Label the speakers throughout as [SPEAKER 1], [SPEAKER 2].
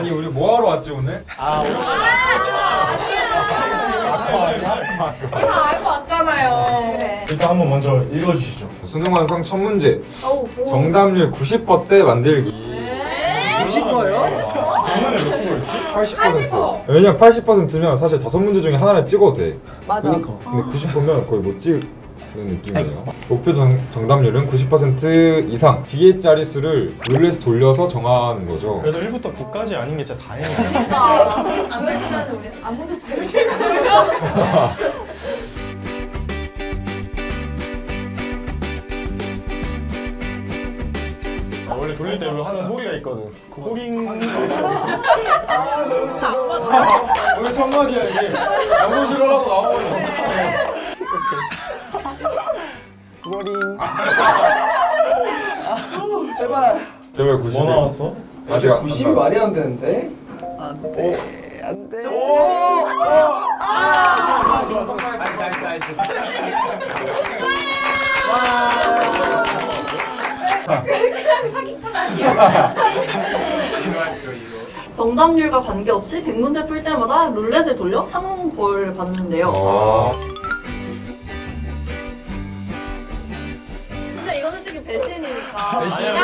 [SPEAKER 1] 아니 우리 뭐 하러 왔지 오늘?
[SPEAKER 2] 다 알고 왔잖아요. 그래.
[SPEAKER 3] 일단 한번 먼저 읽어주시죠.
[SPEAKER 1] 수능 완성 첫 문제.
[SPEAKER 2] 오.
[SPEAKER 1] 정답률 90%대 만들기.
[SPEAKER 4] 90%요?
[SPEAKER 3] 작년에 몇 프로였지?
[SPEAKER 1] 80%. 왜냐면 80%면 사실 5문제 중에 하나를 찍어도 돼.
[SPEAKER 2] 맞아.
[SPEAKER 1] 근데 90%면 거의 못 찍는 느낌이에요. 목표 정답률은 90% 이상. 뒤에 자릿수를 룰렛 돌려서 정하는 거죠.
[SPEAKER 3] 그래도 1부터 9까지 아닌 게 진짜 다행이에요.
[SPEAKER 2] 안 그랬으면 우리 아무도 지우실 거예요.
[SPEAKER 3] 원래 돌릴 때 하는 소리가 있거든. 고고링.
[SPEAKER 1] 오늘 첫 마디야 이게. 너무 싫어라고 나와버리면 어떡해.
[SPEAKER 4] 고고링. 제발.
[SPEAKER 1] 제발 90.
[SPEAKER 3] 뭐 나왔어?
[SPEAKER 1] 아직 안
[SPEAKER 4] 90이
[SPEAKER 1] 나왔어.
[SPEAKER 4] 말이 안 되는데? 안 돼. 안 돼.
[SPEAKER 2] 사기꾼 아니야.
[SPEAKER 5] 정답률과 관계없이 100문제 풀 때마다 룰렛을 돌려 상벌을 받는데요. 근데 이거는 솔직히 배신이니까.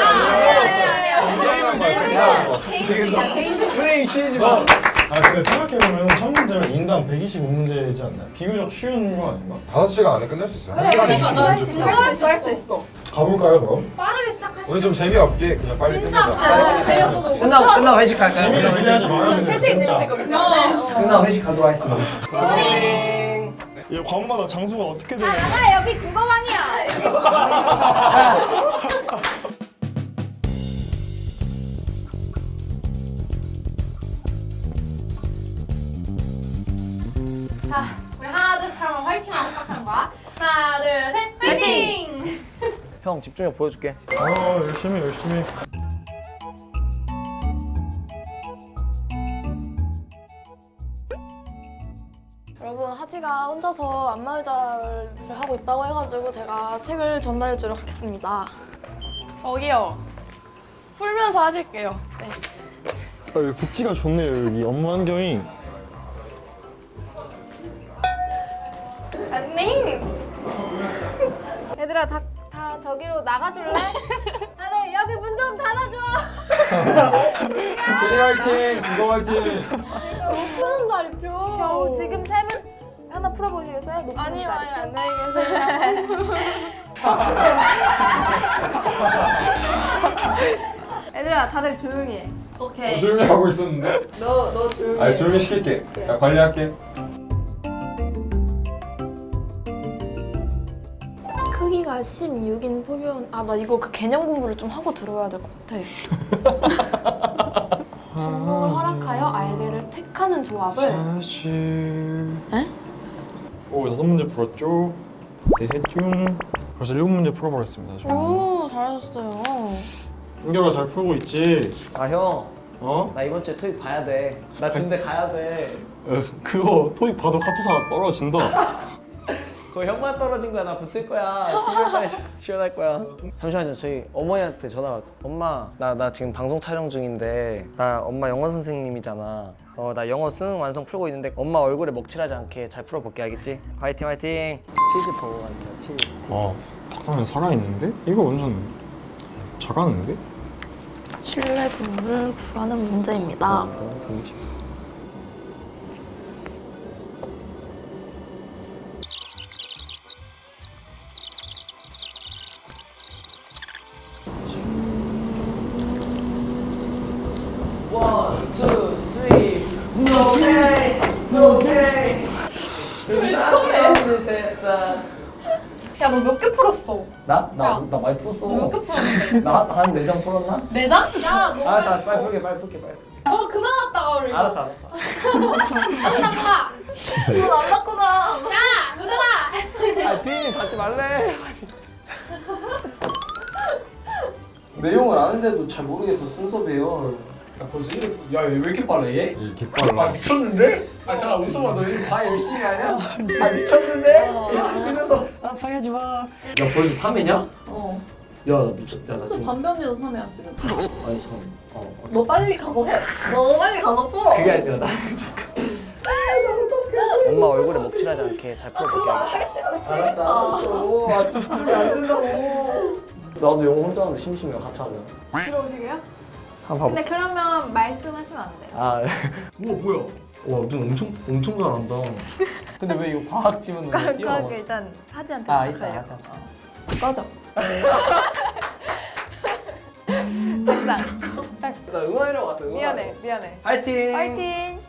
[SPEAKER 2] 개인적이야, 개인적.
[SPEAKER 4] 브레인 쉬지 마.
[SPEAKER 3] 아 근데 생각해보면 첫 문제면 인당 125문제이지 않나요? 비교적 쉬운 거 아닌가?
[SPEAKER 1] 5시간 안에 끝낼 수 있어요.
[SPEAKER 2] 그래, 그러니까 나 진짜
[SPEAKER 5] 할수 있어.
[SPEAKER 3] 가볼까요 그럼?
[SPEAKER 2] 빠르게 시작하시죠.
[SPEAKER 1] 오늘 좀 재미없게 그냥 빨리
[SPEAKER 2] 진짜
[SPEAKER 1] 끝내자.
[SPEAKER 2] 배려서
[SPEAKER 4] 끝나고 회식할까요?
[SPEAKER 3] 재미를 기대하지 말아주세요
[SPEAKER 2] 회식이
[SPEAKER 3] 진짜.
[SPEAKER 2] 재밌었거든요.
[SPEAKER 4] 끝나고 회식 가도록 하겠습니다.
[SPEAKER 3] 이 관마다 장소가 어떻게 되는
[SPEAKER 2] 나 여기 국어방이야. 자, 우리 하나 둘 셋 하면 화이팅하고 시작하는 거야. 하나 둘 셋, 화이팅!
[SPEAKER 4] 형 집중력 보여줄게.
[SPEAKER 3] 열심히.
[SPEAKER 6] 여러분, 하지가 혼자서 안마의자를 하고 있다고 해가지고 제가 책을 전달해 주도록 하겠습니다. 저기요. 풀면서 하실게요. 네.
[SPEAKER 3] 여기 복지가 좋네요 여기 업무 환경이.
[SPEAKER 6] 안녕!
[SPEAKER 2] 얘들아 다 저기로 나가줄래? 다들 여기 문 좀 닫아줘.
[SPEAKER 1] 제리 화이팅! 이거 화이팅!
[SPEAKER 6] 못 푸는 자리표.
[SPEAKER 2] 겨우 지금 세 문 하나 풀어보시겠어요? 높은
[SPEAKER 6] 아니요,
[SPEAKER 2] 자리.
[SPEAKER 6] 안녕히 계세요.
[SPEAKER 2] 얘들아 다들 조용히 해.
[SPEAKER 5] 오케이.
[SPEAKER 1] 조용히 하고 있었는데?
[SPEAKER 2] 너 조용히
[SPEAKER 1] 아니
[SPEAKER 2] 해.
[SPEAKER 1] 조용히 시킬게. 야 관리할게.
[SPEAKER 6] 크기가 16인 포면 나 이거 그 개념 공부를 좀 하고 들어야 될 것 같아. 중국을 허락하여 알게를 택하는 조합을
[SPEAKER 3] 사실.
[SPEAKER 6] 에?
[SPEAKER 3] 오 6문제 풀었죠. 대해중. 벌써 7문제 풀어버렸습니다. 저는.
[SPEAKER 6] 오, 잘하셨어요.
[SPEAKER 3] 인결아 잘 풀고 있지?
[SPEAKER 4] 아 형.
[SPEAKER 3] 어?
[SPEAKER 4] 나 이번 주에 토익 봐야 돼. 나 군대 가야 돼.
[SPEAKER 3] 그거 토익 봐도 카투사 떨어진다.
[SPEAKER 4] 그거 형만 떨어진 거야. 나 붙을 거야. 12월달에 지원할 거야. 잠시만요. 저희 어머니한테 전화 왔어. 엄마, 나 지금 방송 촬영 중인데 나 엄마 영어 선생님이잖아. 나 영어 수능 완성 풀고 있는데 엄마 얼굴에 먹칠하지 않게 잘 풀어볼게. 알겠지? 화이팅 화이팅. 치즈 버거 같아. 치즈 스틱.
[SPEAKER 3] 박상현 살아있는데? 이거 완전 잘하는데?
[SPEAKER 6] 신뢰 동물을 구하는 문제입니다.
[SPEAKER 4] 재밌지. 원, 투, 쓰리. 오케이, 오케이.
[SPEAKER 6] 야, 너 몇 개 풀었어?
[SPEAKER 4] 나 많이 풀었어.
[SPEAKER 6] 몇 개 풀었는데?
[SPEAKER 4] 나한 4장 풀었나?
[SPEAKER 6] 네 장? 야, 너,
[SPEAKER 4] 알았어, 빨리 풀게.
[SPEAKER 6] 너 그만 왔다가 우리.
[SPEAKER 4] 알았어.
[SPEAKER 6] 도전아!
[SPEAKER 5] 안 났구나.
[SPEAKER 6] 야, 도전아!
[SPEAKER 4] 아, 피디님 받지 말래.
[SPEAKER 7] 내용을 아는데도 잘 모르겠어 순서 배열. 야 벌써 이래. 야얘 왜 이렇게 빨라 얘?
[SPEAKER 1] 이 깃발로.
[SPEAKER 7] 미쳤는데? 아 잠깐 웃어봐 너 이거 다 열심히 하냐? 아 미쳤는데? 이렇게 쉬면서
[SPEAKER 4] 아, 방해하지 마.
[SPEAKER 7] 야 벌써 3회냐?
[SPEAKER 5] 어.
[SPEAKER 7] 야 나 미쳤다. 나 지금
[SPEAKER 5] 담배 언니도 사면 안 지금.
[SPEAKER 7] 아니 잠깐.
[SPEAKER 5] 너 빨리 가서 해. 너 빨리 가서 풀어.
[SPEAKER 7] 그게 아니라 나
[SPEAKER 4] 엄마 얼굴에 먹칠하지 않게 잘 풀어볼게.
[SPEAKER 7] 알았어. 아 집중이 안 된다고.
[SPEAKER 4] 나도 영어 혼자 하는데 심심해요. 같이 하면.
[SPEAKER 2] 들어오시게요?
[SPEAKER 4] 한번
[SPEAKER 2] 근데 그러면 말씀하시면 안 돼요.
[SPEAKER 4] 아,
[SPEAKER 7] 우와 뭐야? 와눈 엄청 잘한다. 근데 왜 이거 과학 지문은 왜
[SPEAKER 2] 과하게
[SPEAKER 7] 뛰어넘었어?
[SPEAKER 2] 일단 하지한테
[SPEAKER 7] 아 이따
[SPEAKER 2] 부탁해요.
[SPEAKER 7] 하자.
[SPEAKER 2] 꺼져. 딱
[SPEAKER 4] 나 응원하려고 왔어.
[SPEAKER 2] 미안해 미안해.
[SPEAKER 4] 파이팅.
[SPEAKER 2] 파이팅.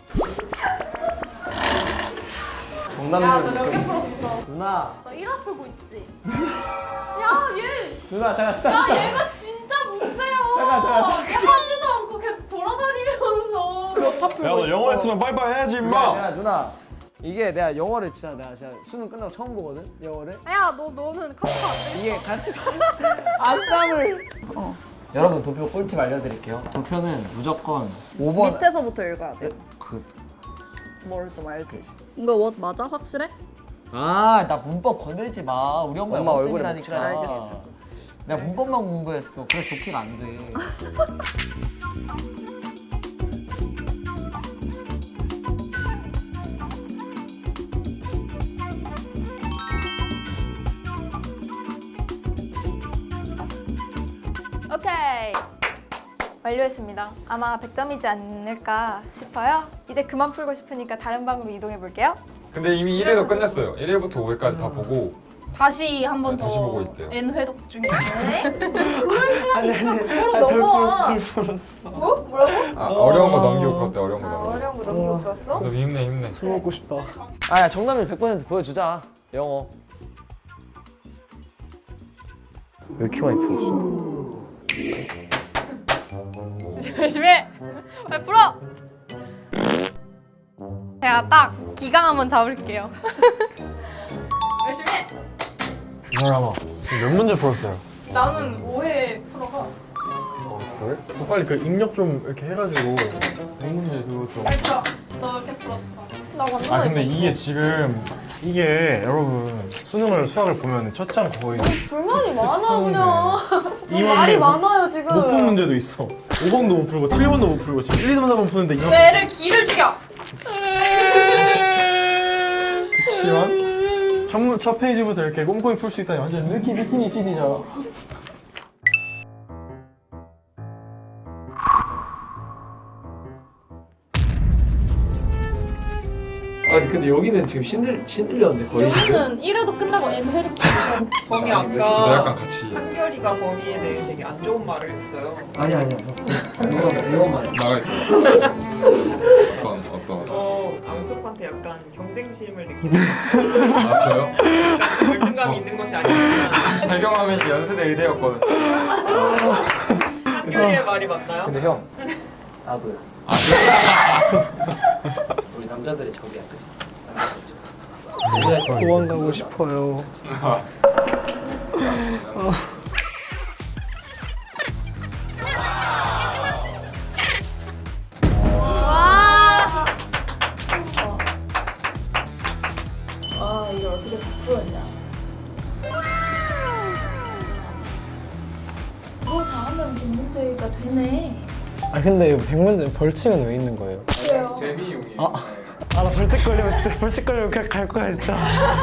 [SPEAKER 4] 정남들
[SPEAKER 5] 몇 개 풀었어?
[SPEAKER 4] 누나.
[SPEAKER 5] 너 1화 풀고 있지? 야, 얘!
[SPEAKER 4] 누나 잠깐
[SPEAKER 5] 야,
[SPEAKER 4] 스탑.
[SPEAKER 5] 얘가 진짜 문제야!
[SPEAKER 4] 잠깐.
[SPEAKER 5] 얘 하지도 않고 계속 돌아다니면서 몇화 풀고
[SPEAKER 3] 야 너 영어 했으면 빨리빨리 해야지 임마.
[SPEAKER 4] 야 누나. 이게 내가 영어를 진짜 수능 끝나고 처음 보거든. 영어를.
[SPEAKER 2] 야 너는 컴퓨터 안 돼?
[SPEAKER 4] 이게 같이 안땀을. 여러분 도표 꿀팁 알려드릴게요. 도표는 무조건 5번
[SPEAKER 5] 밑에서부터 읽어야 돼.
[SPEAKER 4] 그.
[SPEAKER 5] 뭘 좀 알지? 이거 뭐 맞아? 확실해?
[SPEAKER 7] 나 문법 건들지 마. 우리 엄마
[SPEAKER 4] 엄마 얼굴에
[SPEAKER 7] 영어쌤이라니까.
[SPEAKER 4] 묻히라니까.
[SPEAKER 5] 알겠어.
[SPEAKER 7] 내가 문법만 공부했어. 그래서 독해가 안 돼.
[SPEAKER 2] 오케이. 완료했습니다. 아마 100점이지 않을까 싶어요. 이제 그만 풀고 싶으니까 다른 방으로 이동해 볼게요.
[SPEAKER 1] 근데 이미 1회도 끝냈어요. 1회부터 5회까지 다 보고
[SPEAKER 5] 다시 한 번
[SPEAKER 1] 네,
[SPEAKER 5] 더
[SPEAKER 1] 다시 보고 있대요.
[SPEAKER 5] N 회독 중에.
[SPEAKER 2] 그럴 시간 있으면 그거로 넘어와. 뭐? 뭐라고?
[SPEAKER 1] 어려운 거 넘기고 풀었대. 어려운 거 넘기고.
[SPEAKER 2] 어려운 거 넘기고 풀었어?
[SPEAKER 1] 그래서 힘내.
[SPEAKER 3] 술 먹고 싶다.
[SPEAKER 4] 아야 정남일 100% 보여주자. 영어. 왜 이렇게 많이 풀었어?
[SPEAKER 2] 열심히 해! 빨리 풀어! 제가 딱 기강 한번 잡을게요. 열심히 해!
[SPEAKER 3] 이 사람아 지금 몇 문제 풀었어요?
[SPEAKER 2] 나는 5회 풀어서
[SPEAKER 3] 그래? 너 빨리 그 입력 좀 이렇게 해가지고 100문제 그거 좀.
[SPEAKER 2] 알죠? 너 이렇게 풀었어. 나 완전
[SPEAKER 3] 아
[SPEAKER 2] 많이
[SPEAKER 3] 근데
[SPEAKER 2] 풀었어.
[SPEAKER 3] 이게 지금 이게 여러분 수학을 보면 첫 장 거의
[SPEAKER 6] 불만이 많아 그냥.
[SPEAKER 3] 이만
[SPEAKER 6] 말이
[SPEAKER 3] 못
[SPEAKER 6] 많아요 지금.
[SPEAKER 3] 푼 문제도 있어. 5번도 못 풀고 7번도 못 풀고 지금 1, 2, 3, 4번 푸는데 이만
[SPEAKER 2] 뇌를 기를 죽여!
[SPEAKER 3] 그치만 첫 페이지부터 이렇게 꼼꼼히 풀 수 있다니 완전 느끼니 CD잖아.
[SPEAKER 7] 아니 근데 여기는 지금 신들렸는데 거의 지금.
[SPEAKER 2] 여기는 1회도 끝나고 N 회도 끝나고
[SPEAKER 8] 범이
[SPEAKER 1] 저도
[SPEAKER 8] 아까
[SPEAKER 1] 약간 같이
[SPEAKER 8] 한결이가 범이에 대해 되게 안 좋은 말을 했어요.
[SPEAKER 7] 아니야. 이거만.
[SPEAKER 1] 나가 있어. 어떤?
[SPEAKER 8] 앙석한테 약간 경쟁심을 느끼는
[SPEAKER 1] 아 저요?
[SPEAKER 8] 열등감이 있는 것이 아니지만
[SPEAKER 1] 배경화면이 연세대 의대였거든.
[SPEAKER 8] 한결이의 말이 맞나요?
[SPEAKER 4] 근데 형
[SPEAKER 7] 나도요. 우리 남자들의 적이야, 그치? 남자들의 적.
[SPEAKER 3] 도망가고 싶어요.
[SPEAKER 5] 아, 이걸 어떻게 다 풀었냐. 이거 다 하면 100문제가 되네.
[SPEAKER 3] 아 근데 100문제 벌칙은 왜 있는 거예요?
[SPEAKER 1] 재미용이에요.
[SPEAKER 3] 나 벌칙 걸리면 그냥 갈 거야 진짜.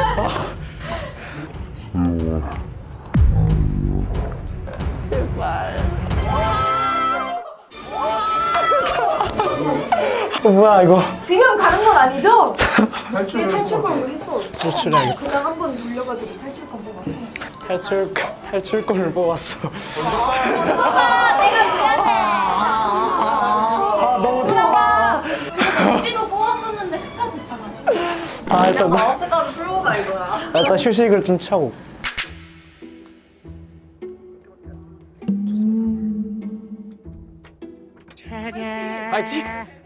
[SPEAKER 3] 뭐야 이거?
[SPEAKER 2] 지금 가는 건 아니죠? 이게 탈출권을 했어.
[SPEAKER 3] 탈출해야겠다.
[SPEAKER 2] 그냥 한 번 돌려가지고 탈출권 뽑았어.
[SPEAKER 3] 탈출권을 뽑았어. 너무 좋아.
[SPEAKER 5] 우리도 뽑았었는데 끝까지 다 갔어.
[SPEAKER 3] 아 일단
[SPEAKER 5] 그냥 9시까지 풀고 가 이거야.
[SPEAKER 3] 일단 휴식을 좀 취하고.
[SPEAKER 4] 파이팅.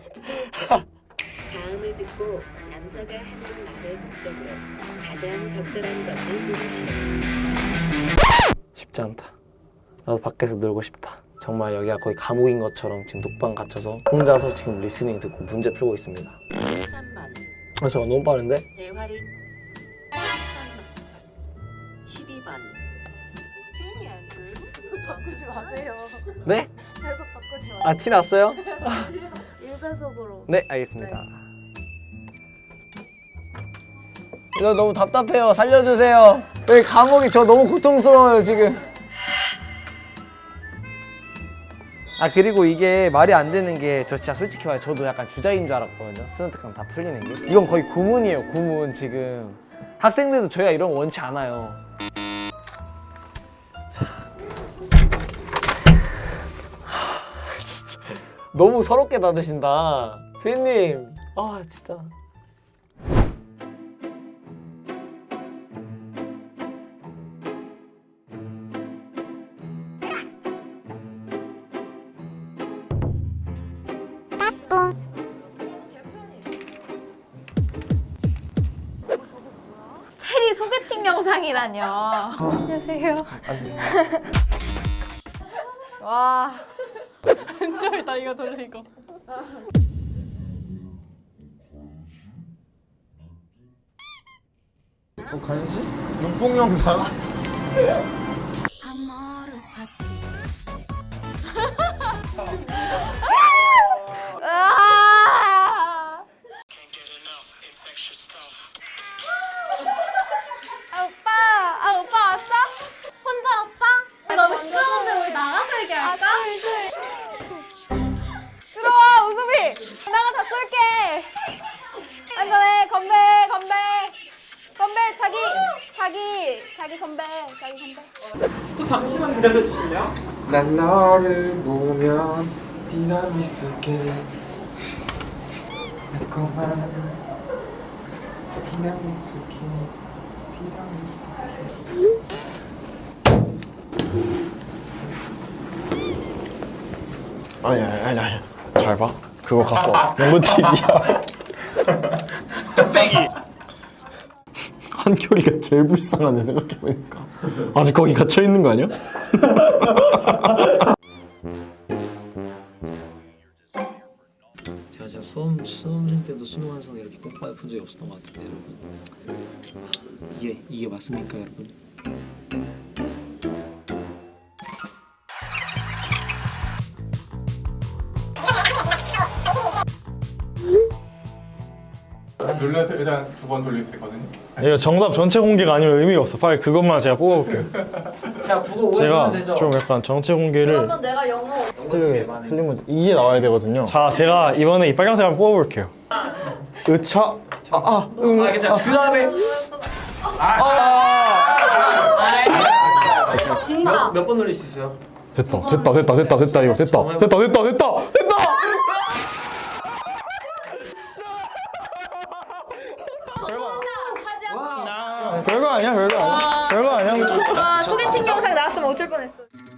[SPEAKER 9] 다음을 듣고 남자가 하는 말의 목적으로 가장 적절한 것을 고르시오.
[SPEAKER 4] 쉽지 않다. 나도 밖에서 놀고 싶다. 정말 여기가 거의 감옥인 것처럼 지금 독방 갇혀서 혼자서 지금 리스닝 듣고 문제 풀고 있습니다.
[SPEAKER 9] 13번
[SPEAKER 4] 그래서 너무 빠른데?
[SPEAKER 9] 대화를 13번 12번
[SPEAKER 6] 바꾸지 마세요.
[SPEAKER 4] 네?
[SPEAKER 6] 계속 바꾸지 마세요.
[SPEAKER 4] 아 티 났어요?
[SPEAKER 6] 1배속으로.
[SPEAKER 4] 네 알겠습니다. 이거 너무 답답해요. 살려주세요. 여기 감옥이 저 너무 고통스러워요 지금. 아 그리고 이게 말이 안 되는 게 저 진짜 솔직히 말해 저도 약간 주자인 줄 알았거든요. 스튜던트감 다 풀리는 게. 이건 거의 고문이에요 고문 지금. 학생들도 저희가 이런 거 원치 않아요. 자. 진짜 너무 서럽게 닫으신다. 피디님 아 진짜.
[SPEAKER 2] 체리 소개팅 영상이라뇨. 안녕하세요. 와.
[SPEAKER 6] 왼쪽이다 이거 돌리고.
[SPEAKER 3] 간식? 눈뽕 영상?
[SPEAKER 2] 으아! 아 오빠 왔어? 혼자 왔어? 너무 시끄러운데 우리 나가서 얘기할까? 들어와 우수비. 나가 다 쏠게. 안전해. 건배 자기 건배.
[SPEAKER 8] 또 잠시만 기다려 주실래요?
[SPEAKER 1] 난 너를 보면 디나미스게 달콤한 디나미스게
[SPEAKER 3] 아니. 잘 봐. 그거 갖고 와. 연구 TV야. 한결이가 제일 불쌍하네 생각해보니까. 아직 거기 갇혀 있는 거 아니야?
[SPEAKER 10] 제가 진짜 수험생 때도 수능 완성 이렇게 꼭 본 적이 없었던 것 같은데 여러분 이게 맞습니까 여러분?
[SPEAKER 11] 룰렛을 일단 2번 돌릴 수 있거든요.
[SPEAKER 3] 이거 정답 전체 공개가 아니면 의미가 없어. 빨리 그것만 제가 뽑아볼게요.
[SPEAKER 4] 제가 국어
[SPEAKER 3] 제가 좀 약간 전체 공개를
[SPEAKER 5] 그러면 내가 영어
[SPEAKER 3] 틀린 문제 이게 나와야 되거든요. 자, 제가 이번에 이 빨간색 한번 뽑아볼게요. 으차
[SPEAKER 10] 괜찮아. 그 다음에
[SPEAKER 5] 진다.
[SPEAKER 10] 몇 번 돌릴 수 있어요?
[SPEAKER 3] 됐다 이거 됐다. 별거 아니야.
[SPEAKER 2] 와 소개팅 영상 나왔으면 어쩔 뻔했어.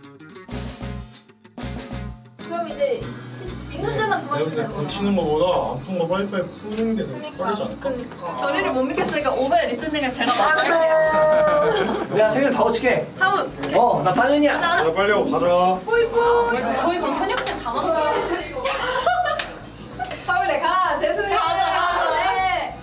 [SPEAKER 2] 그럼 이제 100문제만 더 맞추면 되는 거야.
[SPEAKER 3] 고치는 거보다 아픈 거 빨리빨리 푸는 게 더 빠르지 않을까?
[SPEAKER 5] 결의를 못 믿겠으니까 5배 리스닝을 제가 맡을게요.
[SPEAKER 4] 내가 생일 다 어떻게?
[SPEAKER 5] 사문.
[SPEAKER 4] 나 쌍윤이야.
[SPEAKER 3] 자, 빨리 하고 가자.
[SPEAKER 2] 뿌이뿌이. 저희 그럼 편협된 다 만들어요. 서울대 가. 재수님 가자. 네.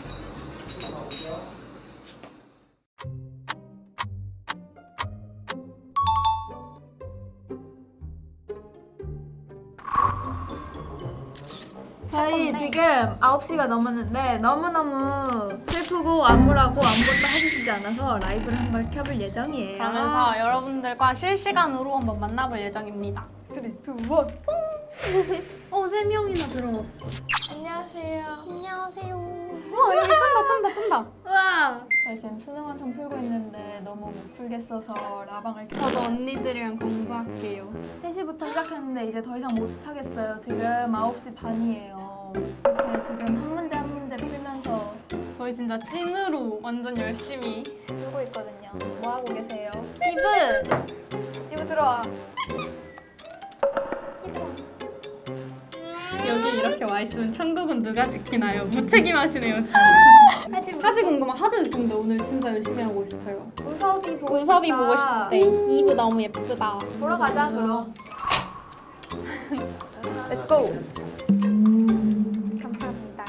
[SPEAKER 2] 저희 지금 9시가 넘었는데 너무너무 슬프고 암울하고 아무것도 하고 싶지 않아서 라이브를 한번 켜볼 예정이에요.
[SPEAKER 6] 그러면서 여러분들과 실시간으로 한번 만나볼 예정입니다.
[SPEAKER 2] 3, 2, 1. 어, 3명이나 들어왔어. 안녕하세요.
[SPEAKER 6] 안녕하세요. 우와 여기 뜬다.
[SPEAKER 2] 우와. 저희 지금 수능 완성 풀고 있는데 너무 못 풀겠어서 라방을 켜고
[SPEAKER 6] 저도 언니들이랑 공부할게요.
[SPEAKER 2] 3시부터 시작했는데 이제 더 이상 못 하겠어요. 지금 9시 반이에요. 이렇게 지금 한 문제 한 문제 풀면서
[SPEAKER 6] 저희 진짜 찐으로 완전 열심히.
[SPEAKER 2] 쓰고 있거든요. 뭐 하고 계세요?
[SPEAKER 6] 이브
[SPEAKER 2] 이거 들어와.
[SPEAKER 6] 여기 이렇게 와 있으면 천국은 누가 지키나요? 무책임하시네요 지금. 까지 궁금한 하드 근데 오늘 진짜 열심히 하고 있어요.
[SPEAKER 2] 우섭이 보고
[SPEAKER 6] 우섭이
[SPEAKER 2] 싶다.
[SPEAKER 6] 보고 싶대. 이브 너무 예쁘다.
[SPEAKER 2] 보러 가자 그럼. Let's go. 감사합니다.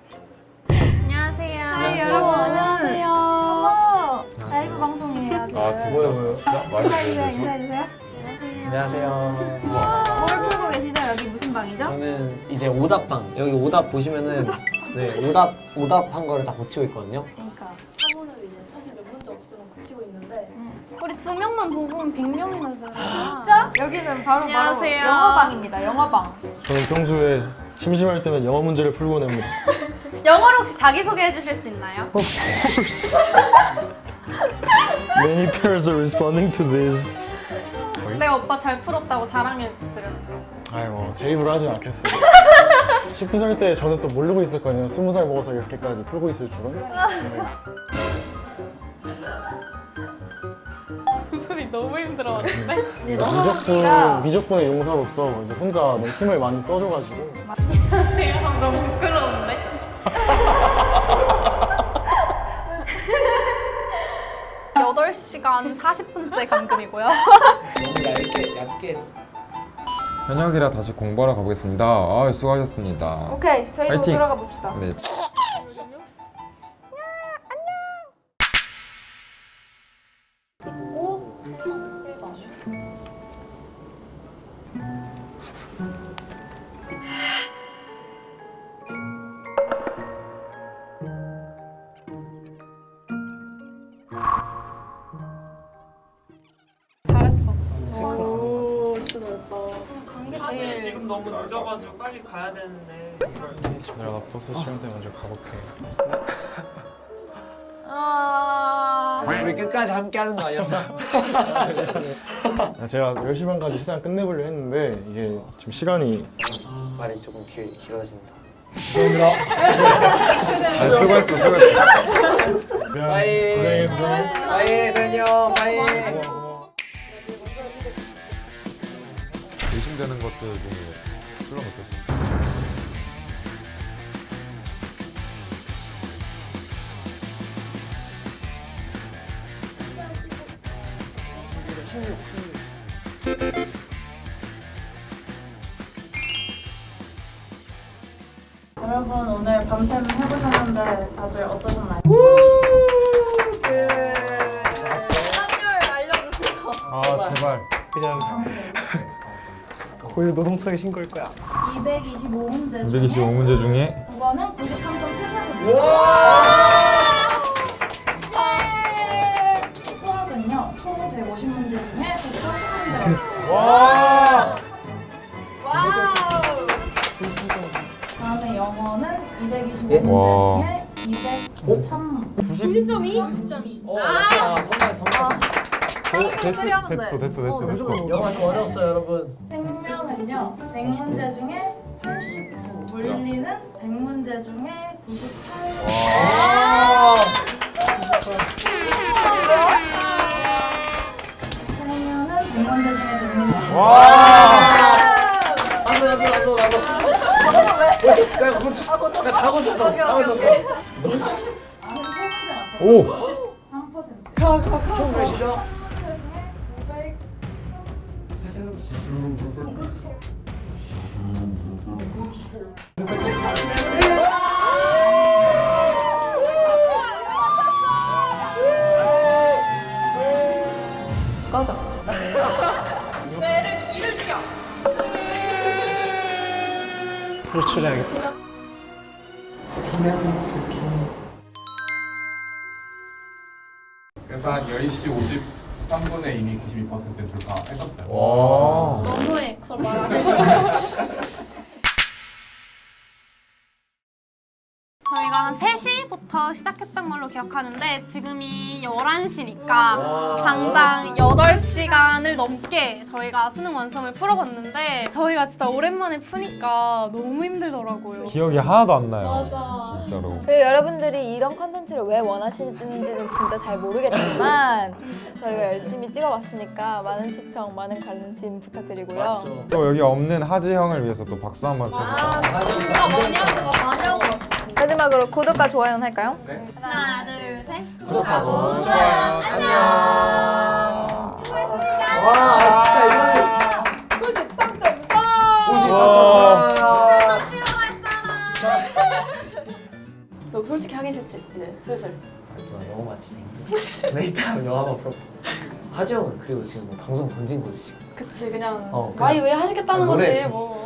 [SPEAKER 6] 안녕하세요.
[SPEAKER 2] 하이 여러분. 안녕하세요. 어머, 라이브 방송이에요 지금.
[SPEAKER 1] 진짜?
[SPEAKER 4] 뭐요?
[SPEAKER 1] 진짜? 많이
[SPEAKER 2] 인사해주세요.
[SPEAKER 1] 보여주시고.
[SPEAKER 2] 인사해주세요.
[SPEAKER 4] 안녕하세요.
[SPEAKER 2] 뭘 풀고 계시죠? 여기 무슨 방이죠?
[SPEAKER 4] 저는 이제 오답방. 여기 오답 보시면은 네 오답한 거를 다 고치고 있거든요.
[SPEAKER 2] 그러니까.
[SPEAKER 5] 사문을 이제 사실 몇 문제 없으면 고치고 있는데
[SPEAKER 6] 우리 2명만 보고 오면 100명이나 되잖아.
[SPEAKER 2] 진짜? 여기는 바로
[SPEAKER 6] 안녕하세요.
[SPEAKER 2] 영어방입니다. 영어방.
[SPEAKER 3] 저는 평소에 심심할 때면 영어 문제를 풀고 냅니다.
[SPEAKER 6] 영어로 혹시 자기소개 해주실 수 있나요?
[SPEAKER 3] Of course. Many parents are responding to this.
[SPEAKER 6] 내가 오빠 잘 풀었다고 자랑해드렸어.
[SPEAKER 3] 아이고 제 입으로 하진 않겠어요. 19살 때 저는 또 모르고 있었거든요. 20살 먹어서 이렇게까지 풀고 있을 줄은.
[SPEAKER 6] 소리 너무 힘들어하는데?
[SPEAKER 3] 미적분의 용사로서 이제 혼자 너무 힘을 많이 써줘가지고.
[SPEAKER 6] 내가 너무 부끄러운데? 여덟 시간 40분째 감금이고요.
[SPEAKER 4] 너무 얇게 했었어.
[SPEAKER 1] 현역이라 다시 공부하러 가보겠습니다. 아, 수고하셨습니다.
[SPEAKER 2] 오케이, 저희도
[SPEAKER 1] 파이팅!
[SPEAKER 2] 들어가 봅시다.
[SPEAKER 1] 네.
[SPEAKER 2] 찍고 11번.
[SPEAKER 6] 잘했어.
[SPEAKER 5] 오 진짜 잘했다.
[SPEAKER 6] 관계
[SPEAKER 8] 사실
[SPEAKER 6] 제일
[SPEAKER 8] 지금 너무 늦어가지고 빨리 가야 되는데
[SPEAKER 3] 내가 버스 시간 때 먼저 가볼게.
[SPEAKER 4] 우리 끝까지 함께 하는 거 아니었어?
[SPEAKER 3] 제가 10시 반까지 시간 끝내보려 했는데 이게 지금 시간이
[SPEAKER 4] 말이 조금 길어진다.
[SPEAKER 1] 잘 수고했어.
[SPEAKER 4] 바이.
[SPEAKER 3] 고생해.
[SPEAKER 4] 바이 선영 바이.
[SPEAKER 1] 의심되는 것들 중에 술은 어쩔 수 없다.
[SPEAKER 12] 여러분 오늘 밤샘 해보셨는데 다들 어떠셨나요?
[SPEAKER 5] 확률 알려주세요.
[SPEAKER 1] 아, 제발.
[SPEAKER 3] 그냥 고유 노동청에 신고할 거야.
[SPEAKER 12] 225문제
[SPEAKER 1] 225문제 중에
[SPEAKER 12] 9번은 93.700입니다. 수학은요 총 150문제 중에 140문제가
[SPEAKER 3] 와!
[SPEAKER 2] 와우!
[SPEAKER 12] 다음에 영어는 225문제
[SPEAKER 1] 와.
[SPEAKER 12] 중에 203.
[SPEAKER 2] 90.2? 90.2.
[SPEAKER 1] 됐어.
[SPEAKER 4] 영화 좀 어려웠어요 여러분.
[SPEAKER 12] 생명은요 100문제 중에 89. 물리는 100문제 중에 98. 세면은 100문제 중에 100문제.
[SPEAKER 4] 나도. 다 고쳤어.
[SPEAKER 1] 오!
[SPEAKER 12] 3%.
[SPEAKER 4] 총 몇이죠?
[SPEAKER 2] 배를 기를 죽여.
[SPEAKER 3] 호출해야겠다.
[SPEAKER 11] 그래서 한 10시 53분에 이미 92% 돌파했었어요.
[SPEAKER 1] 와.
[SPEAKER 6] 너무해. 그걸 말 안 해줘. 저희가 한 3시부터 시작했던 걸로 기억하는데 지금이 11시니까 당장 8시간을 넘게 저희가 수능 완성을 풀어봤는데 저희가 진짜 오랜만에 푸니까 너무 힘들더라고요.
[SPEAKER 1] 기억이 하나도 안 나요.
[SPEAKER 6] 맞아.
[SPEAKER 1] 진짜로.
[SPEAKER 2] 그리고 여러분들이 이런 컨텐츠를 왜 원하시는지는 진짜 잘 모르겠지만 저희가 열심히 찍어봤으니까 많은 시청, 많은 관심 부탁드리고요.
[SPEAKER 1] 또 여기 없는 하지 형을 위해서 또 박수 한번 쳐주세요.
[SPEAKER 5] 진짜 많이 하고 왔어.
[SPEAKER 2] 마지막으로 구독과 좋아요는 할까요?
[SPEAKER 6] 하나, 둘, 셋.
[SPEAKER 4] 구독하고 좋아요. 안녕.
[SPEAKER 2] 수고했습니다.
[SPEAKER 4] 와 진짜 이거는
[SPEAKER 2] 93.4.
[SPEAKER 4] 93.4.
[SPEAKER 2] 싫어할 사람.
[SPEAKER 5] 저 솔직히 하기 싫지 이제 슬슬.
[SPEAKER 4] 너무 많지. 내 이따 영화만 풀어. 하지영은 그리고 지금 뭐 방송 던진 거지 지금.
[SPEAKER 6] 그치 그냥
[SPEAKER 4] 그냥
[SPEAKER 6] 와이 왜 하시겠다는
[SPEAKER 4] 노래
[SPEAKER 6] 거지
[SPEAKER 4] 좀
[SPEAKER 6] 뭐.